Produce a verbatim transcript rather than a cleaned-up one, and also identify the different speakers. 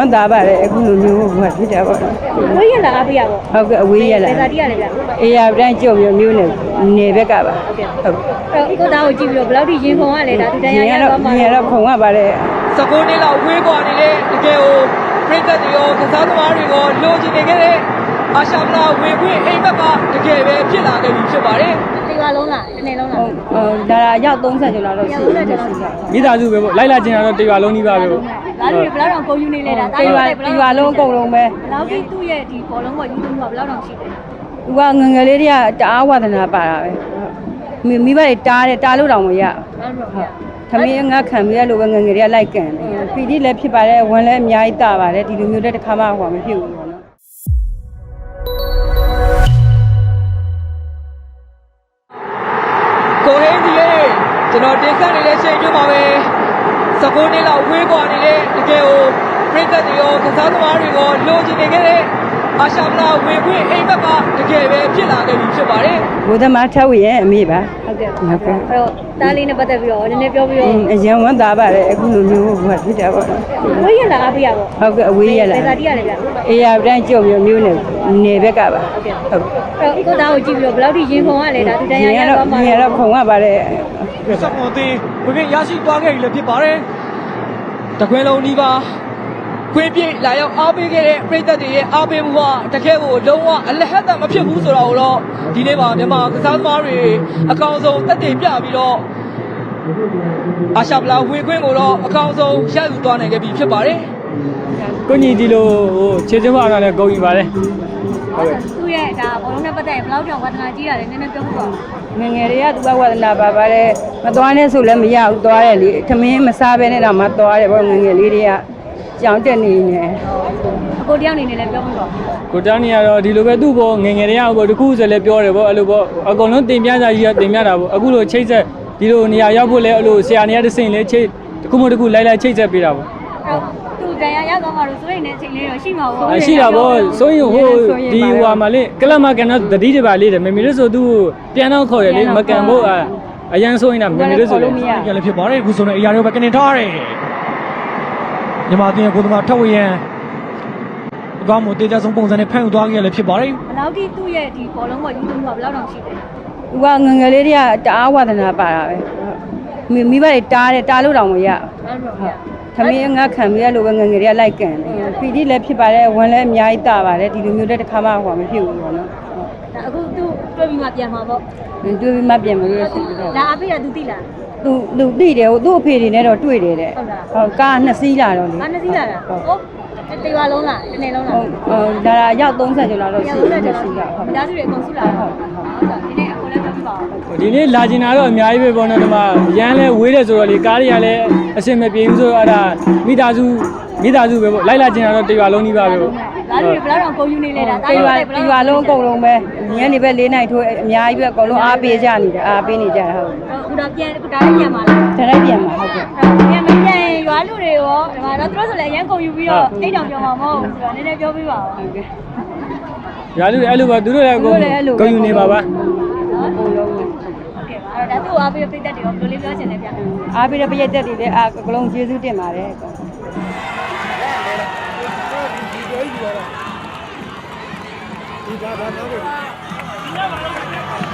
Speaker 1: မ်းသာပါတယ်အခုလိုမျိုးဟိုဖြစ်တာပေါ့
Speaker 2: အဝေးရလာအားပေးရပေါ့
Speaker 1: ဟုတ်ကဲ့အဝေးရလာ
Speaker 2: ဘယ်သာတိရလဲဗျ
Speaker 1: အေးရတိုင်းကြုံမျိုးမျိုးနဲ့နေဘက်ကပါ
Speaker 2: ဟုတ်ကဲ့ဟုတ်အဲ့ကိုသားကိုကြည့်ပြီးတော့ဘယ်လောက်ထိရင်ခုံရလဲဒါသူတရားရသွားမှာ
Speaker 1: ရင်ရတော့ခုံရပါတယ်
Speaker 3: စကူနေလောက်ဝေးကွာနေတဲ့တကယ်ကိုပြိတ္တတွေရောကစားသမားတွေရောလိုချင်နေခဲ့တဲ့အာရှမလာဝင်ခွင့်အိမ်ဘက်ကတကယ်ပဲဖြစ်လာခဲ့ပြီဖြစ်ပါတယ်
Speaker 2: ဒီပါလုံးလားဒီနေ့လုံးလား
Speaker 1: ဟုတ်ဒါရောက်သုံးဆယ်ကျော်လောက်တော့ရှိတယ်
Speaker 4: မိသားစုပဲပေါ့လိုက်လာကျင်တာတော့တရွာလုံးကြီးပါပဲပေါ့
Speaker 2: ဒါတွေဘယ်လောက်တောင်ကုန်ယူနေလဲဒါ
Speaker 1: တရွာတရွာလုံးအကုန်လုံးပဲ
Speaker 2: ဘယ်လောက်ထိသူ့ရဲ့ဒီဘောလုံးပေါ်ယူသွင်းမှုကဘယ်လောက်တောင်ရှိလဲ
Speaker 1: သူကငငယ်လေးတွေကတအားဝါသနာပါတာပဲမိမိဘတွေတားတယ်တားလို့တောင်မရဟုတ်သမီးငါခံပြီးရလို့ပဲငငယ်တွေကလိုက်ကန်တယ်ပီတိလည်းဖြစ်ပါတယ်ဝန်လည်းအများကြီးတာပါတယ်ဒီလိုမျိုးတဲ့တစ်ခါမှဟိုမဖြစ်ဘူးပေါ့နော်
Speaker 3: ကိုဟင်းဒီရဲ့ကျွန်တော်တင်ဆက်နေတဲ့ချိန်မျိုးပါပဲစကူနေလောက်ဝေးကွာနေတဲ့တကယ်ကိုပြိတ္တတွေရောကစားသမားတွေရောလိုချင်နေခဲ့တဲ့အာရှမလာဝင်ခွင့်အိမ်ဘက်ကတကယ်ပဲဖြစ်လာခဲ့ပြီဖြစ်ပါတယ်
Speaker 1: ဘုသမားထက်ဝရဲ့အမေပါ
Speaker 2: ဟုတ်ကဲ့ဟုတ်ကဲ့အဲ့တော့တားလေးနဲ့ပတ်သက်ပြီးတော့နည်းနည်းပြောပြီးတော့
Speaker 1: အရင်ဝမ်းသာပါတယ်အခုလိုမျိုးဟိုဖြစ်တာပေါ့
Speaker 2: အဝေးရလာအားပေးရပေါ့
Speaker 1: ဟုတ်ကဲ့အဝေးရလာ
Speaker 2: ဘယ်သာတိရလဲဗျ
Speaker 1: အေးရတိုင်းကြုံမျိုးမျိုးနဲ့နေဘက်ကပါ
Speaker 2: ဟုတ်ကဲ့ဟုတ်အဲ့ကိုသားကိုကြည့်ပြီးတော့ဘယ်လောက်ထိရင်ခုံရလဲဒါသူတရားရသွားမှာ
Speaker 1: ရင်ရတော့ခုံရပါတယ်
Speaker 3: စက်ပေါ်သေးဝင်ခွင့်ရရှိသွားခဲ့ပြီလည်းဖြစ်ပါတယ်တခွင်းလုံးဒီပါခွေးပြည့်လာရောက်အားပေးခဲ့တဲ့ပြည်သက်တွေရဲ့အားပေးမှုကတကယ်ကိုလုံးဝအလဟတ်တမဖြစ်ဘူးဆိုတာကိုတော့ဒီနေ့မှာမြန်မာကစားသမားတွေအကောင်ဆုံးတက်တည်ပြပြီးတော့အာရှဗလာဝင်ခွင့်ကိုတော့အကောင်ဆုံးရယူသွားနိုင်ခဲ့ပြီဖြစ်ပါတယ်
Speaker 4: ကိုညီဒီလိုဟိုခြေချင်းမအားနဲ့ဂုံယူပါတယ်
Speaker 2: ဟုတ်ကဲ့သူ့ရဲ့ဒါဘောလုံးနဲ့ပတ်သက်ရင်ဘယ်လောက်တောင်ဝါသနာကြီးရတယ်နည်းနည်းပြောပြပါ
Speaker 1: ငငယ်တွေကသူကဝါသနာပါပါတယ်မသွားနဲ့ဆိုလည်းမရဘူးသွားတယ်လေထမင်းမစားဘဲနဲ့တော့မသွားတယ်ပေါ့ငငယ်လေးတွေကကြောင်တက်နေနေ
Speaker 2: အကိုတယောက်နေနေလည်းပြောပြပါ
Speaker 4: ကိုတောင်းနေရတော့ဒီလိုပဲသူ့ဘောငငယ်တွေကဘောတခုဆိုလည်းပြောတယ်ပေါ့အဲ့လိုပေါ့အကုန်လုံးတင်ပြကြကြီးကတင်ပြတာပေါ့အခုလိုချိတ်ဆက်ဒီလိုနေရာရောက်ဖို့လဲအဲ့လိုဆရာနေရာတစ်စိမ့်လဲချိတ်တခုမှတခုလိုက်လိုက်ချိတ်ဆက်ပေးတာပေါ့
Speaker 2: အဲ့သူတရားရသွားမှာလို့ဆိုရင်လည်းအချိန်လေးတော့ရှိမှာပေါ့
Speaker 4: ရှိတာပေါ့ဆိုရင်ဟိုဒီဟွာမှာလေကလပ်မကန်တော့တတိတပါလေးတယ်မမီလို့ဆိုသူပြန်တော့ခေါ်ရလေမကန်ဖို့အရန်ဆိုရင်တော့မမီလို့ဆိုလို့
Speaker 3: ပြန်လည်းဖြစ်ပါတယ်အခုဆိုရင်အရာတွေပဲကနေထားရတယ်မြန်မာပြည်ကိုယ်သမားထက်ဝရန်အကောင်းမှုတေးကြဆုံးပုံစံနဲ့ဖန်ယူသွားခဲ့ရလည်းဖြစ်ပါတယ်
Speaker 2: ဘယ်လောက်ထိသူ့ရဲ့ဒီဘောလုံးပေါ်ယူသွင်းမှုကဘယ်လောက်တောင်ရှိလဲ
Speaker 1: သူကငငယ်လေးတွေကတအားဝါသနာပါတာပဲမိမိဘတွေတားတယ်တားလို့တောင်မရဟုတ်သမီးငါခံပြီးရလို့ပဲငငယ်တွေကလိုက်ကန်တယ်ပီတိလည်းဖြစ်ပါတယ်ဝန်လည်းအများကြီးတာပါတယ်ဒီလိုမျိုးတဲ့တစ်ခါမှဟိုမဖြစ်ဘူးပေါ့နော်
Speaker 2: အခုသူတွေ့ပြီးမှပြန်မှာပေါ့
Speaker 1: တွေ့ပြီးမှပြန်မလို့ရှိတယ်
Speaker 2: ဒါအဖေကသူသိလား
Speaker 1: သူသူသိတယ်ဟိုသူ့အဖေတွေနဲ့တော့တွေ့တယ်တဲ့ဟုတ်ကားနှစ်စီးလာတော့လေ
Speaker 2: ကားနှစ်စီးလာတာဟုတ်တရွာလုံးလားတစ်နေ့လုံးလား
Speaker 1: ဟုတ်ဒါရောက်သုံးဆယ်ကျော်လောက်တော့ရှိတယ်ရှိတာ
Speaker 2: ဟုတ်မိသားစုတွေအကုန်စုလာတော့ဟုတ်ဟုတ်ဒီနေ့အခုလည်းပြောပြပါဦး
Speaker 4: ဒီနေ့လာကျင်တာတော့အများကြီးပဲပေါ့နော်ဒီမှာရမ်းလဲဝေးတယ်ဆိုတော့လေကားတွေကလည်းအဆင်မပြေဘူးဆိုတော့အဲ့ဒါမိသားစုမိသားစုပဲပေါ့လိုက်လာကျင်တာတော့တရွာလုံးကြီးပါပဲပေါ့
Speaker 2: ဒါတွေဘယ်လောက်တောင်ကုန်ယူနေလဲဒါ
Speaker 1: တရွာတရွာလုံးအကုန်လုံးပဲညနေပဲလေးနိုင်ထိုးအများကြီးပဲအကုန်လုံးအားပေးကြနေတယ်အားပေးနေကြတာဟုတ်
Speaker 2: အခုတော့ပြန်အခုဒါလည်းပြန်ပါလား
Speaker 1: ဒါလည်းပြန်ပါဟုတ်ကဲ့
Speaker 2: ပြန်မပြန်ရွာလူတွေရောဒီမှာတော့သူတို့ဆိုလည်းအရန်ကုန်ယူပြီးတော့အိတ်တောင်ပြောမှာမဟုတ်ဘူးဆိုတော့နည်းနည်းပြောပြပါဦးဟုတ်ကဲ့
Speaker 4: ရွာလူတွေအဲ့လိုပါသူတို့လည်းအကုန်ကုန်ယူနေပါပါ
Speaker 2: နော်အကုန်လုံးဟုတ်ကဲ့ပါအဲ့တော့ဒါသူ့အားပေးပိတ်သက်တွေရောဘယ်လိုလေးပြောချင်လဲဗျ
Speaker 1: အားပေးတဲ့ပိတ်သက်တွေလည်းအကလုံးကျေးဇူးတင်ပါတယ်
Speaker 3: ဒီဒါဒါတော့